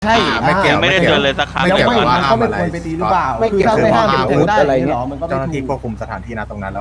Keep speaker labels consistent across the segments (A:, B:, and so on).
A: ใช่
B: ไม่เกี่ยว
C: ไม่ได้เจอเลยสักครั้ง
B: ไม่
A: แล้ว
B: เกี่ยว
A: ไม่
B: ว่า
A: มัน
B: ห้า
A: ก็
B: ม
A: ไม่
B: อะไร
A: ควรไปตีหรือเปล่า
B: ไม่
A: คือ
B: เกี่ยว
A: ถ้า
B: กับ
A: ไม่ห้าม
B: อา
A: แท
B: วุ
A: ง
B: ธ
A: ได้
B: อะไร
A: หร
B: เงี้
A: อย มันก็ไม่
B: เจ้าหน้า
A: ถู
B: ที่
A: ก
B: ควบคุมสถานที่นะตรงนั้นแล้ว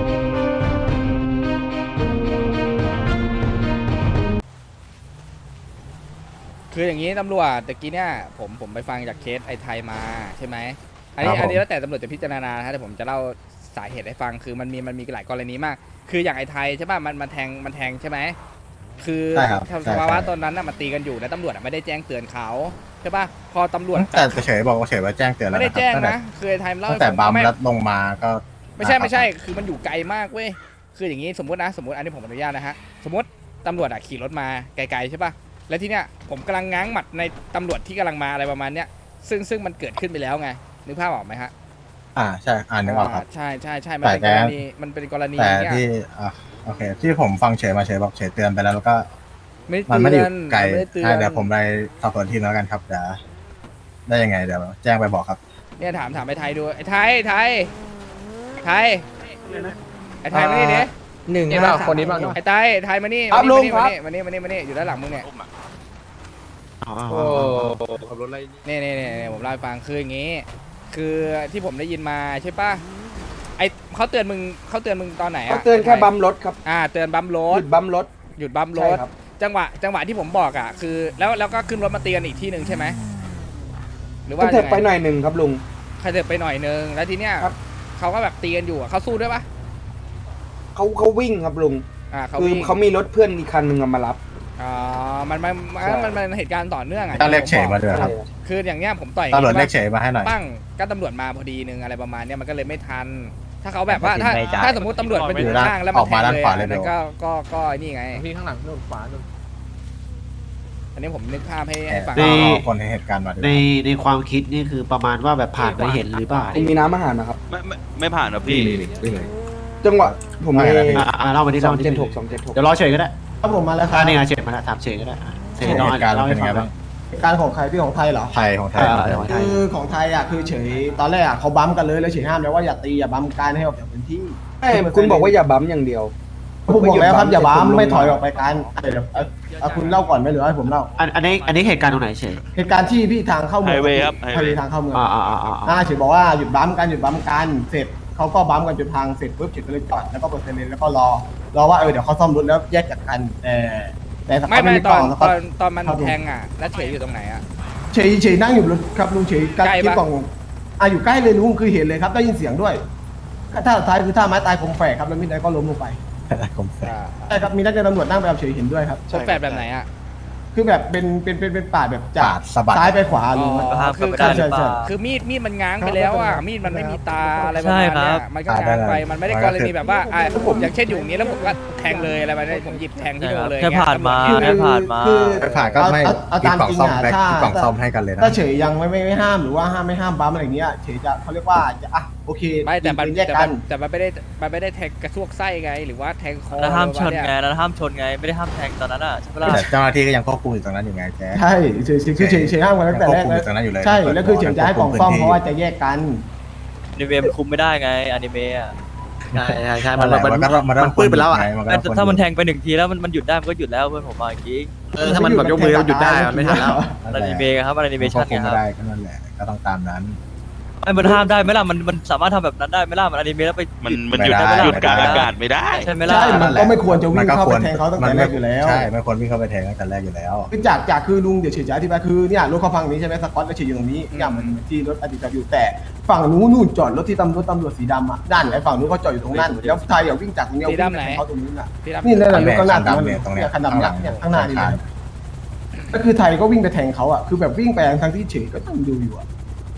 D: คืออย่างนี้ตำรวจตะกี้เนี่ยผมไปฟังจากเคสไอ้ไทยมาใช่ไหมอันนี้แล้วแต่ตำรวจจะพิจารณานะแต่ผมจะเล่าสาเหตุให้ฟังคือมันมีหลายกรณีมาก คืออย่างไอ้ไทยใช่ป่ะมันแทงใช่ไหมคือ
B: ใช่ครับ
D: สภาวะตอนนั้นน่ะมันตีกันอยู่แล้วตำรวจไม่ได้แจ้งเตือนเขาใช่ป่ะพอตำรวจ
B: แต่เฉยบอกว่าเฉยว่าแจ้งเตือนแล้ว
D: ไม่ได้
B: นะครับ
D: แจ้ง
B: ตั้งแต่
D: นะคือไอ้ไทยมันเล่า
B: ตั้ง
D: ให้
B: แต่
D: ฟัง
B: บัม
D: ไม่
B: แล้วลงมาก็
D: ไม่ใช่คือมันอยู่ไกลมากเว้ยคืออย่างนี้สมมติอันนี้ผมอนุญาตนะฮะสมมติตำรวจขี่รถมาไกลๆใช่ป่ะแล้วที่เนี้ยผมกำลังง้างหมัดในตำรวจที่กำลังมาอะไรประมาณเนี้ยซึ่งมันเกิดขึ้นไปแล้วไงนึกภาพออกไหมฮะ
B: ใช่นึกออกครับ
D: ใช่มันเป็นกรณี
B: แต่
D: เนี่ย
B: ที่โอเคที่ผมฟังเฉยมาเฉยบอกเฉยเตือนไปแล้วแล้วก็
D: ไม่
B: มันไม่ได้
D: เตื
B: อ
D: อน
B: ยู่ไกล
D: ไม่ได้เตือน
B: เดี๋ยวผมไปสอบสวนทีมแล้วกันครับเดี๋ยวได้ยังไงเดี๋ยวแจ้งไปบอกครับ
D: เนี่ยถามไอ้ไทยดูไอ้ไทยไอ้ไทยมานี่ดิ
A: หนึ่ง
E: นี่
A: ห้า
E: เปล่าคนนี้เปล่า
D: ไอ้ไทยมานี่
A: ครับลุงครับ
D: มานี่อยู่ด้านหลังมึงเนี่ย
E: โอ้ขับรถอะไรนี่
D: นี่ผมเล่าให้ฟังคืออย่างงี้ คือที่ผมได้ยินมาใช่ป่ะไอเขาเตือนมึงตอนไหน
A: เขา
D: อะ
A: เตือนแค่บัมรถครับ
D: เตือนบัมร
A: ห
D: ถ
A: ยุดบัมรถ
D: หยุดบัมร
A: ใช่
D: ถ
A: ครับ
D: จังหวะที่ผมบอกอ่ะคือแล้วก็ขึ้นรถมาเตือนอีกที่หนึ่งใช่ไหมหรือ
A: ก็
D: ว่า
A: เถิดไป
D: ยัง
A: ห
D: ไง
A: น่อยหนึ่งครับลุง
D: ใครเถิดไปหน่อยนึงแล้วทีเนี้ย
A: ครับ
D: เขาก็แบบตีกันอยู่อะเขาสู้ด้วยปะ
A: เขาวิ่งครับลุง
D: เขา
A: คือ
D: วิ่ง
A: เขามีรถเพื่อนอีกคันหนึ่งมารับ
D: อ๋อมันเหตุการณ์ต่อเนื่องอ่ะ
B: ต้องเรียกเฉยมาด้วยครับ
D: คืออย่างเนี้ยผมต่อย
B: ตำรวจ
D: ใช่ปะ
B: เรียกเฉยมาให้หน่อย
D: ปั้งก็ตำรวจมาพอดีนึงอะไรประมาณเนี้ยมันก็เลยไม่ทัน ถ้าเขาแบบว่าถ้าสมมติตำรวจมาอยู่ข้างแล้วมันแทงเลยอันนั้นก็นี่ไง
E: พี่ข้างหลังนู่นขวานู่น
D: อันนี้ผมนึกภาพให้ฟัง
B: ก็เอาคนในเหตุการณ์มาด้วย
F: ในความคิดนี่คือประมาณว่าแบบผ่านไปเห็นหรือเปล่า
A: มีน้ำอาหารนะครับ
C: ไม่ผ่านนะพี่
A: จังหวะผมมี
F: เล่ามาที่
A: สอ
F: เล่าง มา
A: เจ็ด
F: ที่
A: หก276
F: เดี๋ยวรอเฉยก็ได้
G: ครับผมมาแล้วครับ
F: นี่ไงเฉยมาแล้วถามเฉยก็ได้เฉย
B: เหตุการณ์เป็นยังไงบ้าง
G: เหตุการณ์ของใครพี่ของไทยเหรอ
B: ไทยของไทย
G: คือของไทยอ่ะคือเฉยตอนแรกอ่ะเขาบัมกันเลยแล้วเฉยห้ามแล้วว่าอย่าตีอย่าบัมการให้ออกจากพื้นที่
A: คุณบอกว่าอย่าบัมอย่างเดียว
G: ผมบอกแล้วครับอย่าบัมไม่ถอยออกไปกันเดี๋ยวเอาคุณเล่าก่อนไหมหรือให้ผมเล่า
F: อันนี้เหตุการณ์ตรงไหนเฉย
G: เหตุการณ์ที่พี่ทางเข้าเมือง
C: ไฮเวย์ครับ
G: ไฮเวย์ทางเข้าเมือง
F: อ่า
G: เฉยบอกว่าหยุดบัมกันเสร็จเขาก็บัมกันจนทางเสร็จปุ๊บเฉยก็เลยจอดแล้วก็เปิดไซเรนแล้วก็รอว่าเดี๋ยวเขาซ่อมรถแล้วแยกจากกันแต่สักพัก
D: ไม่
G: กล่องแล้วก็
D: ตอนมันแทงอ่ะแล้วเฉยอยู่ตรงไหนอ่ะ
G: เฉยนั่งอยู่บนรถครับลุงเฉย
D: ใกล้ปะ
G: คิดกล่องอยู่ใกล้เลยลุงคือเห็นเลยครับได้ยินเสียงด้วยถ้าสุดท้ายคือถ้าไม้ตายคงแฝกครับแล้วมิดได้ก็ล้มลงไป
B: ผมแฝง
G: ใช่ครับมีนักเรียนตำรวจนั่งไปกับเฉยเห็นด้วยครับ
D: ชนแฝดแบบไหนอ่ะ
G: คือแบบเป็นปาดแบบจา
B: ปาก ดสะบัด
G: ซ้ายไปขวาลุง
D: คือ
G: ใช่ใช่ใช่
D: คือมีดมันง้างไปแล้วอ่ะมีดมันไม่มีตาอะไรประมาณเนี้ยมันก็ง้างไปมันไม่ได้กรณีแบบว่าผมอย่างเช่นอยู่อย่างนี้แล้วผมก็แทงเลยอะไรแบบนี้ผมหยิบแทงที่โดนเลย
C: แค่ผ่านมา
D: เงี้ย
C: แค่ผ่านมา
G: คือ
B: ไปผ่านก็ไม่
G: เอา
B: กิน
G: ตาม
B: กล่อง
G: จริง
B: ซ่อม
G: อ่ะ
B: แบ็คกินกล่องซ่อมให้กันเลยนะ
G: ถ้าเฉยยังไม่ห้ามหรือว่าไม่ห้ามบัมอะไรอย่างเงี้ยเฉยจะเขาเรียกว่าจะโอเค
D: ไม่แต่มัน
G: แยกกัน
D: ไม่ได้แทงกระซวกไส้ไงหรือว่าแทงคอ
C: แล้วห้ามชน
D: อะไร
C: ไง
D: ประมาณเย
C: แล้วห้ามชนไงไม่ได้ห้ามแทงตอนนั้นอ่ะใช่ไหมล่ะ
B: แต่เจ้าหน้าที่ก็ยังควบคุมอยู่ตรงนั้นอยู่ไงแก
G: ใช่คือเฉยห้ามกันตั้งแต่แรก
B: ยังควบคุมอยู่ตรงนั้นอยู่เลย
G: ใช่แล้วคือเฉยจะให้กล่องซ่อมเพราะว่าจะแยกกัน
C: อนิเมะมันคุมไม่ได้ไงอนิเมะอ่ะ
F: ใช่
B: มันปื้ดไปแล้วอ่ะ
C: แต่ถ้ามันแทงไปหนึ่งทีแล้วมันหยุดได้มันก็หยุดแล้วเพื่อนผมมาจริง
F: ถ้ามันแบบยกมือหยุดได้มันไม่ทันแล้ว
C: อนิเมะครับอนิเม
B: คว
C: ชั่
B: บ
C: น
B: คุม
C: ไงค
B: ไม่
C: รับ
B: ได้ก็นั่นแหละก็ต้องตามนั้น
C: ไอ้มันห้ามได้ไหมล่ะมันสามารถทำแบบนั้นได้ไหมล่ะมันอนิเมะแล้วไป
B: มันหยุดได้ไหมล่ะ
C: หยุดกลางอากาศไม่ได้ใช่ไหมล่ะ
G: ใช่มันก็ไม่ควรจะวิ่งเข้าไปแทงเขาตั้งแต่แรกอยู่แล้ว
B: ใช่ไม่ควรวิ่งเข้าไปแทงตั้งแต่แรกอยู่แล้ว
G: คือจากคือลุงเดี๋ยวเฉยจะอธิบายคือเนี่ยรถเขาพังนี้ใช่ไหมสกอตก็เฉยอยู่ตรงนี้อย่างเหมือนที่รถอดีตอยู่แต่ฝั่งนู้นจอดรถที่ตำรวจสีดำอ่ะด้านไหนฝั่งนู้นเขาจอดอยู่ตรงนั้นแล้วไทยอย่าวิ่งจากตรงนี้วิ่งไปแทงเขาตรงนี้น่ะ
D: พี่รับ
G: นี่นั่นแหละรถข้างหน้า
B: คันดำเนี่ยตรงเนี้ย
G: คันดำเนี่ยข้างหน้านี่
B: ข้าง
G: ก็คือไทยก็วิ่งไปแทงเขาอ่ะคือแบบวิ่งไปทางที่เฉยก็ต้องดูอยู่อ่ะ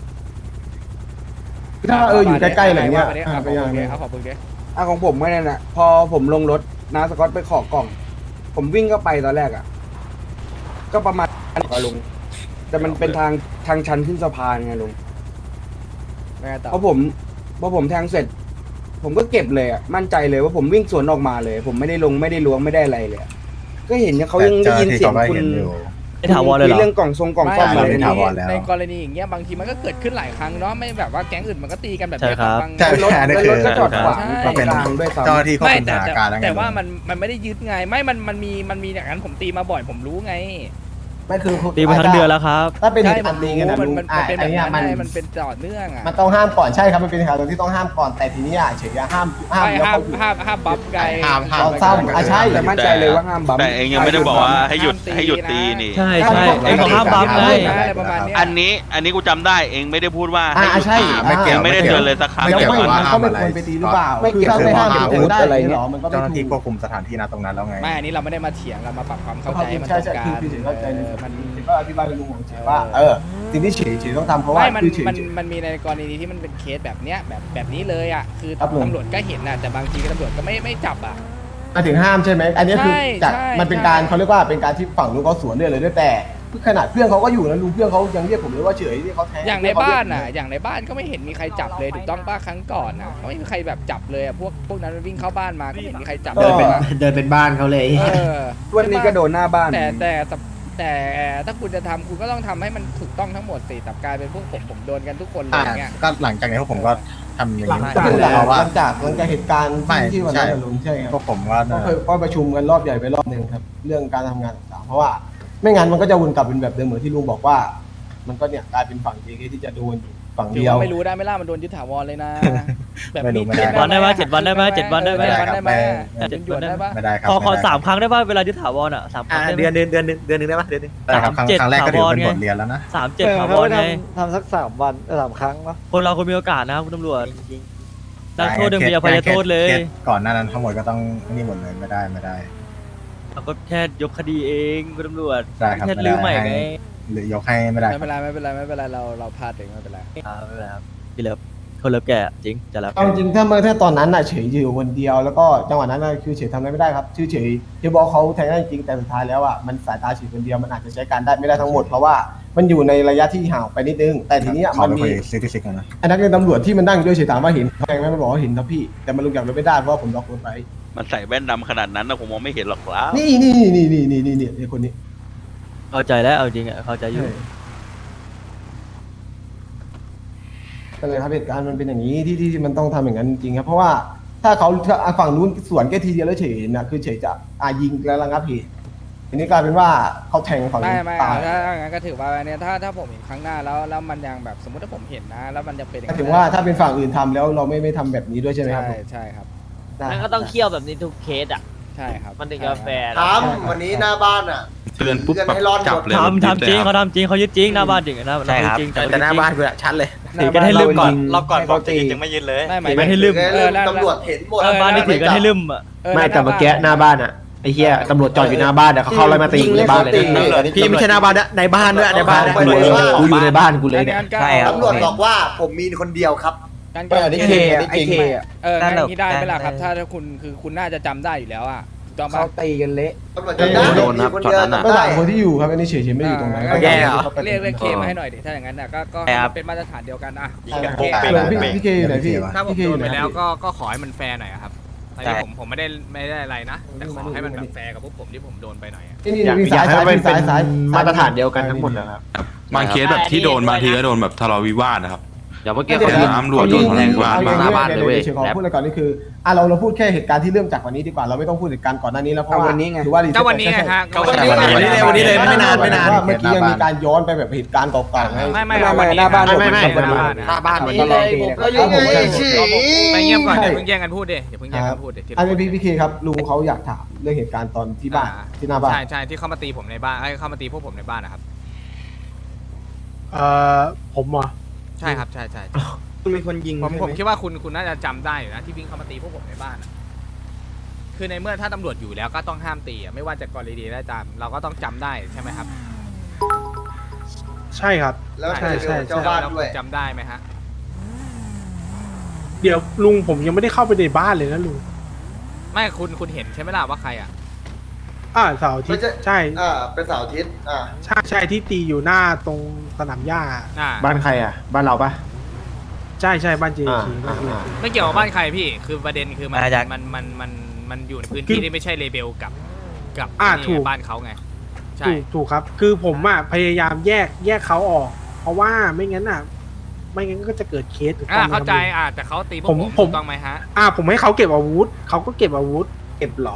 G: ถ้าอยู่ใกล้ๆอะไรเงี้ย
D: ไปยังไงครับขอบคุณแก
A: ของผมไม่นั่นแหละพอผมลงรถน้าสกอตไปขอกล่อง ผมวิ่งเข้าไปตอนแรกอ่ะก็ประมาณลุงแต่มันเป็นทางชันขึ้นสะพานไงลุงพอผมแทงเสร็จ ผมก็เก็บเลยอ่ะมั่นใจเลยว่าผมวิ่งสวนออกมาเลย ผมไม่ได้ลงไม่ได้ล้วงไม่ได้อะไรเลยอะก็เห็นเนี่ยเขายังได้ยินเสียงคุณ
C: ไอ้ถาวรเลยเหรอ
A: เรื่องกล่องทรงกล่องซ่อม
B: ไม่
A: อะไร
B: ไม่
A: นี่
B: ถาวรแล้ว
D: ในกรณีอย่างเงี้ยบางทีมันก็เกิดขึ้นหลายครั้งเนาะไม่แบบว่าแก๊งอื่นมันก็ตีกันแบบ
C: ใช่
D: นี้
C: ครับ
D: บาง
B: ใช่
A: รถ
B: อันนี้
A: แล้ว
B: คือ
A: รถก็จอดขวาง
B: ก็เป็น
A: กลางด้วยซ้ำ
B: เจ้าหน้าที่ควบ
D: ไม่
B: คุมส
D: แต่
B: ถานการณ์แล้วไง
D: แต่ว่ามันไม่ได้ยึดไงไม่มันมีอย่างนั้นผมตีมาบ่อยผมรู้ไง
G: ไม่คือ
C: ตีมาทั้งเดือนแล้วครับ
G: ถ้าเป็นเห
D: ใช่
G: ตุ
D: มั
G: การ
D: น
G: ณ์ตี
D: รู้
G: กันนะ
D: มัน
G: ลุง
D: มัน
G: อ่ะ
D: เป็นแบ
G: ไอ้
D: บ
G: เนี่ย
D: นั้น
G: มัน
D: ได้มันเป็นต่อเนื่องอ่ะ
G: มันต้องห้ามก่อนใช่ครับมันเป็นเหตุที่ต้องห้ามก่อนแต่ทีนี้เฉยๆห้าม
D: ไม่
G: แล้ว
D: ห้าม
G: เขาอยู่
D: ห้ามบัฟไกล
G: ลองเศร้าใช่
A: แต่มั่นใจเลยว่าห้ามบัม
E: แต่เองยังไม่ได้บอกว่าให้หยุด
D: ห้ามตี
E: ให้หยุด
D: นะ
E: ตีนี่
C: ใช่ใช่ไอ้ของห้ามบัฟไง
D: อะไรประมาณเนี้ย
E: อันนี้กูจำได้เองไม่ได้พูดว่าให้หยุด
G: ใช่
E: ตี
B: ไม่เกี่ยว
E: ไม่ได้เตือนเลยสักครั้ง
G: ไม่
E: เดียว
G: ไม่
E: กัน
G: มันก็ไม่ควรไปตีหรือเปล่า
A: ไม่
G: คือ
A: เกี่ยว
G: ถ้าไม่ห้ามเป็นตีได้
A: อะไร
G: เนี่ย
A: เงี้ย
G: หรอมันก็ไม่
B: เจ้าหน้าที่
G: ถู
B: คว
G: ก
B: บคุมสถานที่ณตรงนั้นแล้วไง
D: ไม่อันนี้เราไม่ได้มาเถียงเรามาปรับความเข้าใจให้มันต
G: ใช่
D: รง
G: ใช่
D: กั
G: คือน พี่เฉยเข้าใจใน
D: มัน
G: ก็อธิบายในมุมของเฉยว่าสิ่งที่เฉยต้องทำเพราะว่า
D: ไม่มัน
G: คือเฉย
D: มันมีในกรณีที่มันเป็นเคสแบบเนี้ยแบบนี้เลยอ่ะคือ
G: ครับผม
D: ตำรวจก็เห็นนะแต่บางทีตำรวจก็ไม่จับอ่ะ
G: มาถึงห้ามใช่ไหมอันนี้คือ
D: ใช่
G: จาก
D: ใช่
G: มันเป็นการเขาเรียกว่าเป็นการที่ฝั่งนู้นเขาสวนเรื่องเลยด้วยแต่ขนาดเพื่อนเขาก็อยู่นะลุงเพื่อนเขายังเรียกผมเลยว่าเฉยที่เขาแทง
D: อย่างในบ้านอ่ะอย่างในบ้านก็ไม่เห็นมีใครจับเลยถูกต้องป้าครั้งก่อนอ่ะก็ไม่มีใครแบบจับเลยอ่ะพวกนั้นมันวิ่งเข้าบ้านมาก็ไม่เห็นมีใครจับ
F: เดินเป็น
D: ลย
F: เดินเป็นบ้านเขาเลย
A: วันนี้ก็โดนหน้าบ้าน
D: แต่ถ้าคุณจะทำคุณก็ต้องทำให้มันถูกต้องทั้งหมดสิแต่กลายเป็นพวกผมโดนกันทุกคนเลยอย่างเงี้ย
B: ก็หลังจากนี้พวกผมก็ทำอย่างนี้
G: หลังจาก
B: เพราะว่า
G: หลังจากเหตุการณ์
B: ไม่
G: ที่วันนั้นอะลุงใช่ค
B: พ
G: รับ
B: วกผมก็
G: ก็เคยก็ประชุมกันรอบใหญ่ไปรอบหนึ่งครับ เรื่องการทำงานต่างๆเพราะว่าไม่งั้นมันก็จะวนกลับเป็นแบบเดิมเหมือนที่ลุงบอกว่า มันก็เนี่ยกลายเป็นฝั่ง JK ที่จะโดนอยู่ฝั่ง
D: ถือ
G: เดียว
D: ว่าไม่รู้ได้ไหมล่ะมันโดนยึดถาวรเลยนะแบบ
B: ไม่รู้
D: มี
B: ไม่ได้
C: 7 วันได้ปะ7 วันได้ปะ7 วันได้ไหม
D: 7 วันได้ไหม
B: ไม่
D: เป็นหยวนได้ปะ
B: ไม่ได้ครับ
C: ขอ
B: ไม่ได้
C: 3 ครั้งได้ปะเวลายึดถาวรอ่ะ3 ครั้งได้ไหม
F: เดือนหนึงได้ปะเดือนหนึง
B: ได้ครับครั้ง
C: 7
B: ครั้งแรกก็ถือเป็น
C: ถาวรไง
B: บทเรียนแล้วนะ
C: 3-7ถาวรไง
H: ทำสัก3 วัน3 ครั้งเนาะ
C: คนเราคนมีโอกาสนะครับคุณตำรวจนักโทษยังมีอภัยโทษเลย
B: คสก่อนหน้านั้นทั้งหมดก็ต้องนี่หมดเลยไม่ได้
C: เราก็แค่ยกคดีเองคุณตำรวจ
B: ได้ครับ
C: แค่
B: ไม่
C: ลื
B: ได้
C: มใหม่ไง
B: หรือยกให้ไม่ได้
D: ไม่เป็นไรไม่เป็นไรเราพลาดเองไม่เป็นไร
C: ไม่เป็นไรครับพี่เลิฟคนเลิฟแกจริงจะรับ
G: เอาจริงๆถ้าตอนนั้นน่ะเฉยอยู่คนเดียวแล้วก็จังหวะนั้นน่ะคือเฉยทำอะไรไม่ได้ครับชื่อเฉยที่บอกเขาแทงได้จริงแต่สุดท้ายแล้วอ่ะมันสายตาเฉยคนเดียวมันอาจจะใช้การได้ไม่ได้ทั้งหมดเพราะว่ามันอยู่ในระยะที่ห่างไปนิดนึงแต่ทีนี้
B: ขอ
G: มัน
B: ไป
G: มี
B: คุยซิกซิกกันนะ
G: ไอ้นักเรียนตำรวจที่มันนั่งด้วยเฉยถามว่าเห็นแทงไหมมันบอกว่าเห็นครับพี่แต่มันลงจากรถไม่ได้เพราะว่าผมล็อกรถไว้
E: มันใส่แว่นดำขนาดนั้นนะผมมองไม่เห็นหรอกครับ
G: นี่ไอ้คนนี้
C: เข้าใจแล้วเอาจริงอ่ะเข้าใจอยู่
G: ก็เลยครับเหตุการณ์มันเป็นอย่างนี้ที่มันต้องทำอย่างนั้นจริงๆครับเพราะว่าถ้าเขาฝั่งนู้นสวนแค่ทีเดียวแล้วเฉยนะคือเฉยจะยิงแล้วระงับเหตุอันนี้กลายเป็นว่าเขาแทงฝั่ง
D: ไม่
G: นู้น
D: ไม่
G: ตาย
D: ถ้างั้นก็ถือว่าเนี่ยถ้าผมเห็นครั้งหน้าแล้วมันยังแบบสมมติถ้าผมเห็นนะ แล้วมันจะเป็นอย่
G: ก็
D: นั้น
G: ถึงว่าถ้าเป็นฝั่งอื่นทำแล้วเราไม่ทำแบบนี้ด้วยใช่ไหมครับ
D: ใช่ครับ
G: ได้
H: มันก็ต้องเคี่ยวแบบนี้ทุกเคสอ่ะ
D: ใช่ครับ
H: มันถึงจะแฟร์
I: ทำวันนี้หน้าบ้านอ่ะ
E: เตือนปุ๊บ
I: เตือน
E: แบบ
I: ให้รอด
E: จับเลย
C: ทำจริงเขาทำจริงเขายึดจริงหน้าบ้านจริงนะ
F: ใช่ครับ
C: จริง
F: แต่หน้าบ้านกูอะชัดเลย
C: ถือกันให้ลืมก่อน
A: รอบก่อนบอกจะยังไม่
D: ไม่
C: ไม่ให้ลืม
I: ตำรวจเห็นหมด
C: หน้าบ้านนี่ถือกันให้ลืมอ่ะ
F: ไม่แต่เมื่อกี้หน้าบ้านอะไอ้เหี้ยตำรวจจอดอยู่หน้าบ้านเดี๋ยวเขาเข้าไล่มาตีกูในบ้านเลยนะพี่ไม่ใช่หน้าบ้านนะในบ้านด้วยในบ้านกูอยู่ในบ้านกูเลยเนี่ย
D: ใช่ครับ
I: ตำรวจบอกว่าผมมีคนเดียวครับ
D: การ
A: อันนี้เคไอ้เคอะ
D: งั้นอย่างนี้ได้ไหมล่ะครับ ถ้าคุณคือคุณน่าจะจำได้อยู่แล้วอ่ะถูกต้อง
A: เขา
D: ปะ
A: ตีกันเละ
I: ตำรวจจำได้
F: โดนครับ
I: มีคนเดียว
F: ช็อตนั้นน่ะ
I: จำ
G: ก็
I: ได้
G: ถามคนที่อยู่ครับอันนี้เฉยๆไม่ได้อยู่ตรงไหน
F: แย่เหรอ
D: เรียกเคมาให้หน่อยดิถ้าอย่างนั้นน่ะก็
F: ใช่ครับ
D: เป็นมาตรฐานเดียวกันอ่ะ
G: พี่เคอยู่ไหนพี่
J: ถ้าผม
G: พี่เค
J: โด
G: อน ยู่ไห
J: ไป
G: น
J: แล้วก็ขอให้มันแฟร์หน่อยอะครับอันนี้ผมไม่ได้อะไรนะ แต่ขอให้มันแบบแฟร์กับพวกผมที่ผมโดนไปหน่อยอะ
G: นี่
F: อยาก
G: มี
F: อยา
G: สาก ย
F: ให้
G: สาย
F: มันเป็น
G: สาย
F: มาตรฐานเดียวกันทั้งหมดนะครับ
E: บางเคสแบบที่โดนบางทีก็โดนแบบทะเลาะวิวาทนะครับ
F: เดี๋ยวเมื่อกี้
G: เดี๋ยว
F: เขา
E: ตำรวจโดนแทงกวาดบ้าง
F: หน้าบ้านเลยเว้ย
G: เฉยๆขอพูดอะไรก่อนนี่คือเราพูดแค่เหตุการณ์ที่เริ่มจากวันนี้ดีกว่าเราไม่ต้องพูดเหตุการณ์ก่อนหน้านี้แล้วเพราะว่า
A: เอาวันนี้ไง
G: ถือว่า
J: ก็วันนี้ไงฮะก็
F: วันนี้เลยไม่นาน
G: ว่าเมื่อกี้ยังมีการย้อนไปแบบเหตุการณ์เก่าๆไง
J: ไม่
A: หน้าบ้าน
F: ไม่
J: หน้าบ้าน
F: ไม่
J: หน้าบ้าน
F: หน้าบ้าน
A: ตลอดตีเลย
I: ก็ยังไงฉี่
J: ไปเงียบก่อนเดี๋ยวเพิ่งแย่งกันพูดดิเดี๋ยวเพิ่งแย่งกันพูดดิ
G: อันนี้พี่เคครับลุงเขาอยากถามเรื่องเหตุการณ์ตอนที่บ้านที่หน้าบ้าน
J: ใช่ที่เข้ามาตีผมในบ้านเข้ามาตีพวกผมในบ้านนะครับ
H: ผมอ่ะ
J: ใช่ครับใช่
A: คุณเป็นคนยิง
J: ผมคิดว่าคุณน่าจะจำได้อยู่นะที่วิ่งเข้ามาตีพวกผมในบ้านอะคือในเมื่อถ้าตำรวจอยู่แล้วก็ต้องห้ามตีอะไม่ว่าจะกรณีใดก็ตามเราก็ต้องจำได้ใช่ไหมครับ
H: ใช่ครับ
I: แล้วใช่เจ้าบ้าน
J: แล้ว
I: ด้วย
J: จำได้ไหมฮะ
H: เดี๋ยวลุงผมยังไม่ได้เข้าไปในบ้านเลยนะลุง
J: ไม่คุณเห็นใช่ไหมล่ะว่าใครอ่ะ
H: เสาร์อาทิตย์ใช่
I: เป็นเสาร์อาทิตย์
H: ใช่ที่ตีอยู่หน้าตรงสนามหญ้า
F: บ้านใครอ่ะบ้านเราปะ
H: ใช่บ้านเจคี
J: ไม่เกี่ยวกับบ้านใครพี่คือประเด็นคือมัน
F: มาจาก
J: มันอยู่ในพื้นที่ที่ไม่ใช่เลเบลกับนี่
H: ถูก
J: บ้านเขาไงใช่
H: ถูกครับ คือผมพยายามแยกเขาออก เพราะว่าไม่งั้นก็จะเกิดเคสถูกต้องไหม
J: เข้าใจ
H: ครับ
J: แต่เขาตีพวก
H: ผม
J: ถูกต้องไหมฮะ
H: ผมให้เขาเก็บอาวุธเขาก็เก็บอาวุธ
G: เก็บหรอ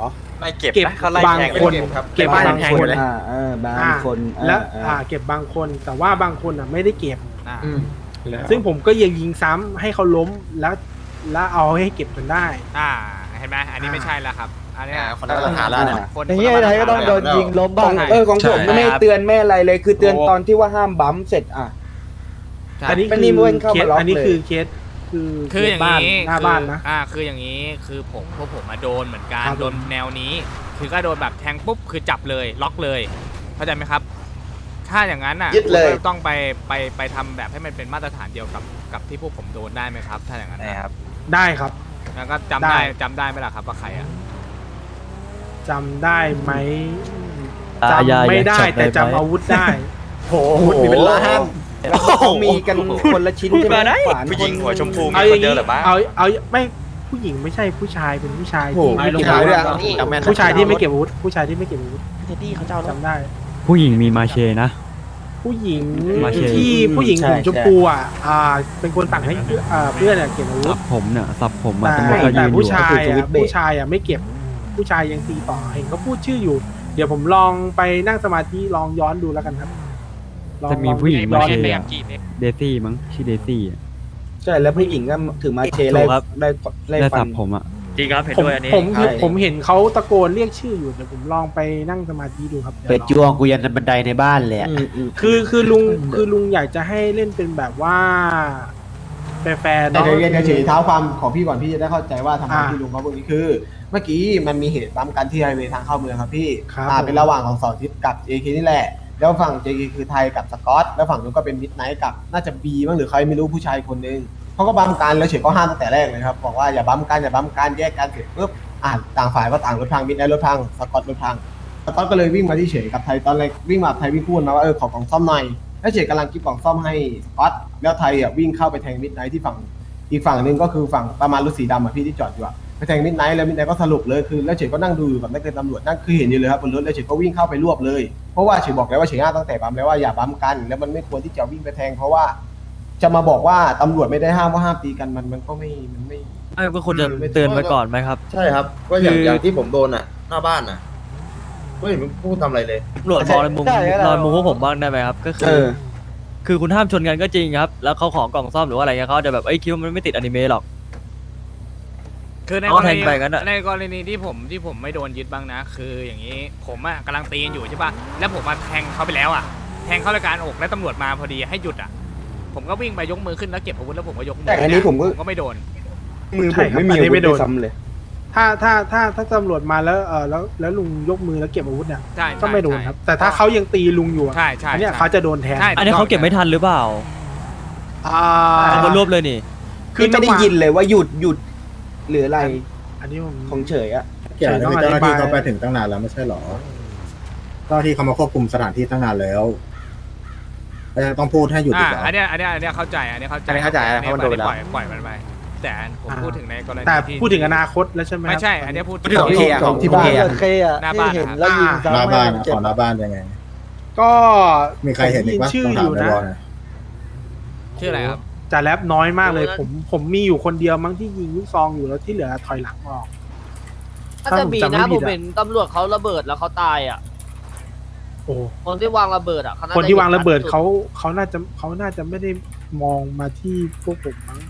H: ไม่เก็บบางคนเก็บบางคน
A: บางคน
H: และเก็บบางคนแต่ว่าบางคนไม่ได้เก็บ
J: อ่า
H: ซึ่งผมก็ยังยิงซ้ำให้เขาล้มแล้วเอาให้เก็บจนได้
J: เห็นไหมอันนี้ไม่ใช่แล้วครับอันนี้
E: คนละมาตรฐานแล้วเนี่ย
J: คน
C: อย่างนี้ไอ้ไทยก็ต้องโดนยิงล้ม
A: ข
C: บ้า
A: อง งของผมไม่เตือนไม่อะไรเลยคือเตือนตอนที่ว่าห้ามบัมป์เสร็จ
H: อันนี้
A: ไม่นี่เว้นเข้ามาล็อกเลย
H: อันนี้คือเคส
J: คืออย่าง
H: บ้าน
J: นี้
H: หน้าบ้านนะ
J: คืออย่างนี้คือพวกผมมาโดนเหมือนกัน
H: ครับ
J: โดนแนวนี้ คือก็โดนแบบแทงปุ๊บคือจับเลยล็อกเลยเข้าใจไหมครับ ถ้าอย่างนั้น
I: ยึดเลย
J: คุณก็ต้องไปทำแบบให้มันเป็นมาตรฐานเดียวกับที่พวกผมโดนได้ไหมครับ ถ้าอย่างนั้นนะ
H: ได้ครับ
J: แล้วก็จำได้ไหมล่ะครับว่าใครอ่ะ
H: จำได้ไหม
C: อย่า
H: จำไม่ได้
C: อย่าจับ
H: แต่
C: ได้ไหม
H: จำอาวุธได้
A: โอ้โหมีเป็นล้านแล้วเขามีกันคนละชิ้นใช่ไหมขวาน
E: ผู้หญิงหัวชมพูมี
H: เอา
E: ค
H: อย่าน ง
E: เดียว
H: นี้
E: เหรือบ้า
H: เอาไม่ผู้หญิงไม่ใช่ผู้ชายเป็นผู้ชาย
A: โอ้โห
H: ที่ไม่
A: ผู้
H: เก็บ
A: ชาย
H: อาวุ
A: ด้วย
H: ธผู้ชายที่ไม่เก็บอาวุธผู้ชายที่ไม่เก็บอาวุธจำได้
C: ผู้หญิงมีมาเชนะ
H: ผู้หญิง
C: มาเช
H: ที่ผู้หญิงผมชมพูเป็นคนสั่งให้เพื่อนเก็บอาวุธ
C: สับผมเนี่ยสับผมมา
H: แต่
C: ตำรวจก็ยื
H: แต่
C: นอยู่
H: ผู้ชายไม่เก็บผู้ชายยังตีต่อเห็นเขาพูดชื่ออยู่ เดี๋ยวผมลองไปนั่งสมาธิลองย้อนดูแล้วกันครับลอง
C: จะมีผู้หญิงมา
H: ย้อน
C: เช
H: ดู
C: อะเดซี่มั้งชื่อเดซี่อะ
A: ใช่แล้วผู้หญิงก็ถือมาเช
C: ถูกครับ
A: ได้
C: ได้
A: ฟั
C: สั
A: น
C: บผมอะ
J: จริงครับเห็น
H: ผม
J: ด้วยอันนี้
H: ผม
A: ใช่
H: ผมเห็นเขาตะโกนเรียกชื่ออยู่เดี๋ยวผมลองไปนั่งสมาธิดูครับ
F: เปิดจ้วงกูยันบันไดในบ้านเลยอะ
H: คือลุงอยากจะให้เล่นเป็นแบบว่าแฟร์ๆ
G: แต่
H: เนาะ
G: เดี๋ยวเฉยๆเท้าความของพี่ก่อนพี่จะได้เข้าใจว่าทำไมพี่ลุงเขาพวกนี้คือ เมื่อกี้มันมีเหตุบัมกันที่ไฮเวย์ทางเข้าเมืองครับพี่
H: ครับ
G: เป็นระหว่างของเสาร์อาทิตย์กับ JK นี่แหละ แล้วฝั่ง JK คือไทยกับสกอต แล้วฝั่งนู้นก็เป็นมิดไนท์กับน่าจะบีบ้างหรือใครไม่รู้ผู้ชายคนนึงเขาก็บัมกันแล้วเฉยก็ห้ามตั้งแต่แรกเลยครับบอกว่าอย่าบัมกันแยกกันเสร็จปุ๊บต่างฝ่ายก็ต่างรถพังมิดไนท์รถพังสกอตรถพังสกอตก็เลยวิ่งมาที่เฉยกับไทยตอนแรกวิ่งมาไทยวิ่งพูดมาว่าขอกล่องซ่อมหน่อยแล้วเฉยกำลังกิ๊บกล่องซ่อมให้สกอตแล้วไทยวิ่งเข้าไปแทงมิดไนท์ที่ฝั่งอีกฝั่งหนึ่งก็คือฝั่งประมาณรถสีดำพี่ที่จอดอยู่ไปแทงมิดไนท์แล้วมิดไนท์ก็สรุปเลยคือแล้วเฉยก็นั่งดูอยู่กับนักเรียนตำรวจนั่นคือเห็นอยู่เลยครับบนรถแล้วเฉยก็วิ่งเข้าไปรวบเลยเพราะว่าเฉยบอกแล้วว่าเฉยอ้างตั้งแต่บัมแล้วว่าอย่าบัมกันแล้วมันไม่ควรที่จะวิ่งไปแทงเพราะว่าจะมาบอกว่าตำรวจไม่ได้ห้ามว่าห้ามตีกันมันก็ไม่มันไม่
C: ก็ควรจะเตือนไปก่อนไหมครับ
E: ใช่ครับ ก็อย่างที่ผมโดนหน้าบ้านไม่เห็นพูดทำอะไรเลย
C: ตำรวจมองในมุมพวกผมบ้างได้ไหมครับ ก็คือคุณห้ามชนกันก็จริงครับ แล้วเขาของกล่องซ่อมหรือว่าอะไรเงี้ยเขาจะแบบคิดว่ามันไม่ติดอนิเมะหรอก
J: คือใน
C: เอา
J: กร
C: แท
J: ณี
C: งไปงั้นอะ
J: ในกรณีที่ผมไม่โดนยึดบ้างนะ คืออย่างนี้ผมกำลังตีกันอยู่ใช่ป่ะแล้วผมมาแทงเขาไปแล้วแทงเข้ารายการอกแล้วตำรวจมาพอดีให้หยุดผมก็วิ่งไปยกมือขึ้นแล้วเก็บอาวุธแล้วผมก็ยกมื
A: แต่อันนี้ผมก็
J: ไม่โดน
A: มือผมไม่มีอาวุธด้วยซ้ำเลย
H: ถ้าตำรวจมาแล้วลุงยกมือแล้วเก็บอาวุธเนี่ย
J: ใช่
H: ก็ไม่โดนครับ แต่ถ้าเขายังตีลุงอยู่
J: ใช่
H: อันเนี้ยเขาจะโดนแทน
J: ใช่
C: อันนี้เขาเก็บไม่ทันหรือเปล่าเอามารวบเลยนี่
A: คือไม่ได้ยินเลยว่าหยุดหรืออะไร
H: อันนี้ผม
A: ของเฉยอะ
B: เกี่ยวกับเจ้าหน้าที่เขาไปถึงตั้งนานแล้วไม่ใช่หรอเจ้าหน้าที่เขามาควบคุมสถานที่ตั้งนานแล้วต้องพูดให้หยุดอีกเหรอ
J: อันเนี้ยเข้าใจอันนี้เข้าใจ
E: อันนี้เข้าใจเพราะมันโดนไปแล้ว
J: ปล่อยมันไปแต่ผมพูดถึงในกรณี
H: แต่
J: ที่
H: พูดถึงอนาคตแล้วใช่ไหม
J: ไม่ใช่ อันนี้พูด
B: ของเคอะของที่บ้าน
J: หน้าบ้าน
B: หน้าบ้านของหน้าบ้านยังไง
H: ก็
B: มีใครเห็นอีกปะ
H: ชื่อ
B: ต้อง
H: อ
B: ถาม
H: ยู่
B: ใน
H: นะ
B: วอลนะ
J: ชื่ออะไรครับ
H: จ่าแรปน้อยมากเลย ผมมีอยู่คนเดียวมั้งที่ยิงลูกซองอยู่แล้วที่เหลือถอยหลังออก
K: ถ้าจะมีนะผมเห็นตำรวจเขาระเบิดแล้วเขาตายอ่ะ
H: โอ้
K: คนที่วางระเบิดอ่ะเขน่
H: คนที่วางระเบิด
K: ห็นชั
H: เขาน่าจะไม่ได้มองมาที่พวกผมมั้ง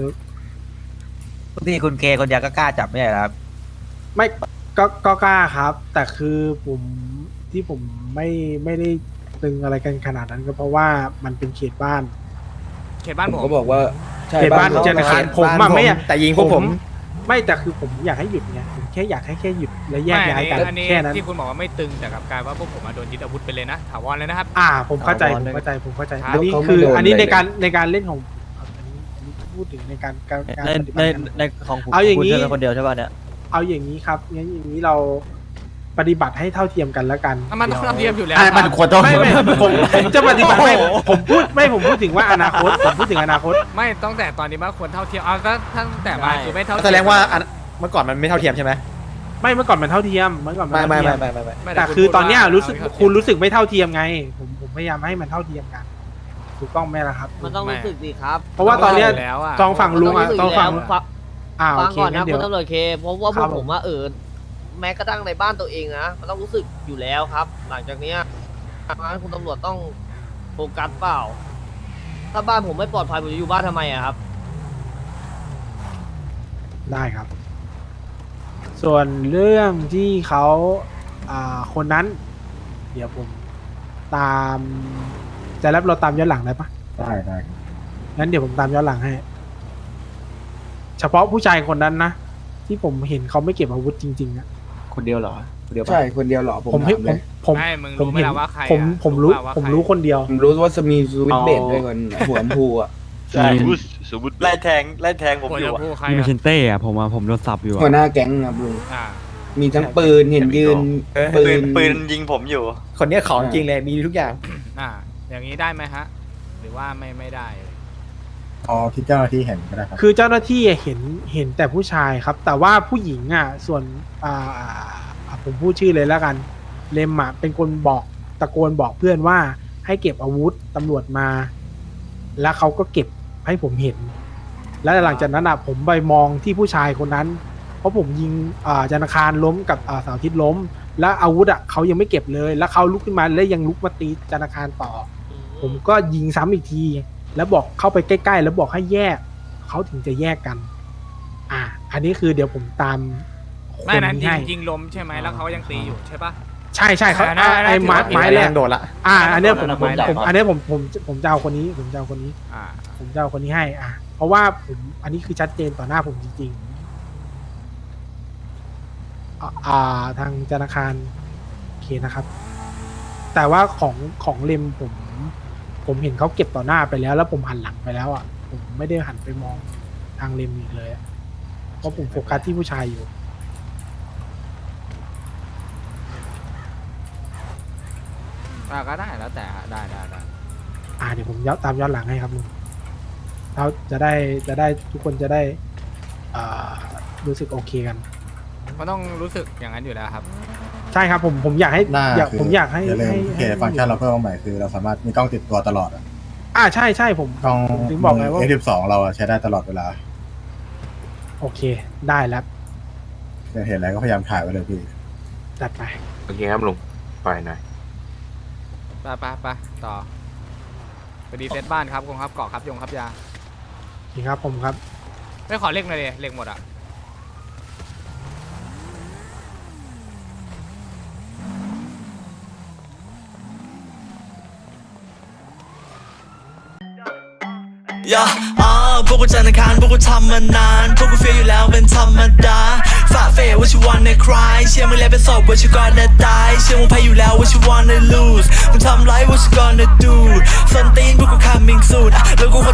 F: ที่คุณเคคนเดียวก็กล้าจับไม่ใช่ครับ
H: ไม่ก็กล้าครับ แต่คือผมไม่ได้ตึงอะไรกันขนาดนั้นก็เพราะว่ามันเป็นเขตบ้าน
J: เขตบ้าน
A: ผม
J: ผม
A: ก็บอกว่าใช่
H: เขตบ้านเจนคารผมอะไม่อยาก
F: แต่ยิงพวกผม
H: ไม่แต่คือผมอยากให้หยุดไงผมแค่อยากให้หยุดและแยกย้ายกัน
J: อันนี้
H: แค่นั้น
J: ที่คุณบอกว่าไม่ตึงแต่กับกลายว่าพวกผมโดนยึดอาวุธไปเลยนะถาวรเลยนะครับ
H: ผมเข้าใจ
C: ถาวร
H: ผมเข้าใจ
J: ครับ
H: อันนี้คืออันนี้ในการเล่นของอันนี้พูดถึงในการ
C: ในของผม
H: เอาอย่างนี้
C: นี้เป็นคนเดียวใช่ป่ะเนี่ย
H: เอาอย่างนี้ครับงั้นอย่างนี้เราปฏิบัติให้เท่าเทียมกันแล้วกัน
J: มันต้องเทียมอยู่แล้ว
F: มันควรต้อง
H: ไม่ผมจะปฏิบัติไม่ผมพูดถึงว่าอนาคตผมพูดถึงอนาคต
J: ไม่ตั้งแต่ตอนนี้มาควรเท่าเทียมก็ตั้งแต่มาคือไม่เท่าเทียม
F: แสดงว่าเมื่อก่อนมันไม่เท่าเทียมใช่ไหม
H: ไม่เมื่อก่อนมันเท่าเทียมเมื่อก่อนมัน
F: ไม่
H: เท่าเทียม
J: ไม่
H: แต่คือตอนเนี้ยรู้สึกคุณรู้สึกไม่เท่าเทียมไง ผมพยายามให้มันเท่าเทียมกันถูกต้องไหมล่ะครับ
K: มันต้องรู้สึกดีครับ
H: เพราะว่าตอนเนี้ย
J: แล้วอะ
H: ตองฝั่งลุงอ่ะ
K: มัน
H: ตองฝั่ง
K: รู้สึกอยู่แล้ว
H: โอ
K: ฟัง
H: เค
K: ก่อน
H: งั้
K: นะ
H: นเดี๋
K: คุ
H: ยว
K: ณตำรวจเคเพราะว่าพ
H: ครั
K: วก
H: บ
K: ผมว่าแม้กระทั่งในบ้านตัวเองนะมันต้องรู้สึกอยู่แล้วครับ หลังจากเนี้ยเพราะฉะนั้นคุณตำรวจต้องโฟกัสเปล่า ถ้าบ้านผมไม่ปลอดภัยผมจะอยู่บ้านทำไมอะครับ
H: ได้ครับ ส่วนเรื่องที่เขาคนนั้น เดี๋ยวผมตามจะรับเราตามย้อนหลังได้ปะ
B: ได้ได้ครับ
H: งั้นเดี๋ยวผมตามย้อนหลังให้ เฉพาะผู้ชายคนนั้นนะที่ผมเห็นเขาไม่เก็บอาวุธจริงๆอะ
F: คนเดียวเหรอคนเดียวปะ
A: ใช่คนเดียวเหรอผม
H: ผมเห็น
A: ถามเลย
H: ผม
J: ไม่มึง
H: ผม
J: รู้ไหม
H: เห็น
J: ล่ะว่าใคร
H: ผม
J: อะ
H: ผมรู้
J: เปล่าว่า
H: ผม
J: ใคร
H: รู้คนเดียว
A: ผมรู้ว่าจะมีสวิตช์เบดด้วยคนหัวลำพูอ่ะ
F: ใช่
I: ไล่แทงผม
J: หัว
I: อยู่
J: จะ
I: อะ
J: พูดใคร
C: นี่มัน
J: อะ
C: เชนเต้อะผมโดนสับอยู่
A: หัวหน้าแก๊งครับลุง
J: อ่า
A: มีทั้งปืนเห็นยืน
I: ปืนยิงผมอยู่
F: คนเนี้ยของจริงเลยมีทุกอย่าง
J: อ่า อย่างนี้ได้ไหมฮะ หรือว่าไม่ได้
B: พอที่เจ้าหน้าที่เห็นก็ได้ครับ
H: คือเจ้าหน้าที่เห็นแต่ผู้ชายครับ แต่ว่าผู้หญิงอ่ะส่วนผมพูดชื่อเลยแล้วกัน เลมอ่ะเป็นคนบอกตะโกนบอกเพื่อนว่าให้เก็บอาวุธตำรวจมา แล้วเขาก็เก็บให้ผมเห็น แล้วหลังจากนั้นอ่ะผมไปมองที่ผู้ชายคนนั้น เพราะผมยิงจันทร์อังคารล้มกับเสาร์อาทิตย์ล้ม แล้วอาวุธอ่ะเขายังไม่เก็บเลย แล้วเขาลุกขึ้นมาแล้วยังลุกมาตีจันทร์อังคารต่อ ผมก็ยิงซ้ำอีกที แล้วบอกเข้าไปใกล้ๆแล้วบอกให้แยกเขาถึงจะแยกกัน อันนี้คือเดี๋ยวผมตามค
J: ไม่
H: น
J: นั้น
H: นี้
J: ยิง
H: ให้
J: ยิงลมใช่ไหมแล้วเขายังตีอยู่ใช่ปะ
H: ใช่เขา
J: อันนั้น
H: ไอ้ไม้
J: ถือว่า
H: ไม้แรก
F: โดดละ
H: อันเนี้ยผม
J: ไม้แรก
H: อันเนี้ยผมจะเอาคนนี้ ผมจะเอาคนนี้
J: อ่า
H: ผมจะเอาคนนี้ให้ เพราะว่าผมอันนี้คือชัดเจนต่อหน้าผมจริงๆทางธนาคารโอเคนะครับ แต่ว่าของเลมผมเห็นเขาเก็บต่อหน้าไปแล้ว แล้วผมหันหลังไปแล้วอ่ะ ผมไม่ได้หันไปมองทางเลมอีกเลยอะเพราะผมโฟกัสที่ผู้ชายอยู่
J: ก็ได้แล้วแต่ได้
H: เดี๋ยวผมตามย้อนหลังให้ครับลุงเราจะได้ทุกคนจะได้รู้สึกโอเคกัน
J: มันต้องรู้สึกอย่างนั้นอยู่แล้วครับ
H: ใช่ครับผมอยากให้
B: หน้า
H: ผมอยากให้
B: อย่าลืม
H: ให้
B: ฟังก์ชันเราเพิ่มมาใหม่คือเราสามารถมีกล้องติดตัวตลอดอะ
H: ใช่ผม
B: กล้อง
H: ถึงบอกไงว่า
B: F12 เราอะใช้ได้ตลอดเวลา
H: โอเคได้แล้ว
B: เห็นอะไรก็พยายามถ่ายไว้เลยพี่
H: จัดไป
F: โอเคครับลุงไปหน่อย
J: ไปต่อไปดีเซตบ้านครับกองครับเกาะครับยงครับยา
H: นี่ครับผมครับ
J: ไม่ขอเลขหน่อยดิเลขหมดอ่ะ
L: พวกกูจันทร์อังคารพวกกูทำมานานพวกกูเฟียอยู่แล้วเป็นธรรมดาฝ่าเฟยว่าชิวันในคลายเชื่อมึงแล้วเป็นศพว่าชิวก่อนจะตายเชื่อมึงแพ้อยู่แล้วว่าชิวันใน lose มึงทำไรว่าชิ gonna do ส้นตีนพวกกู coming soon แล้วกู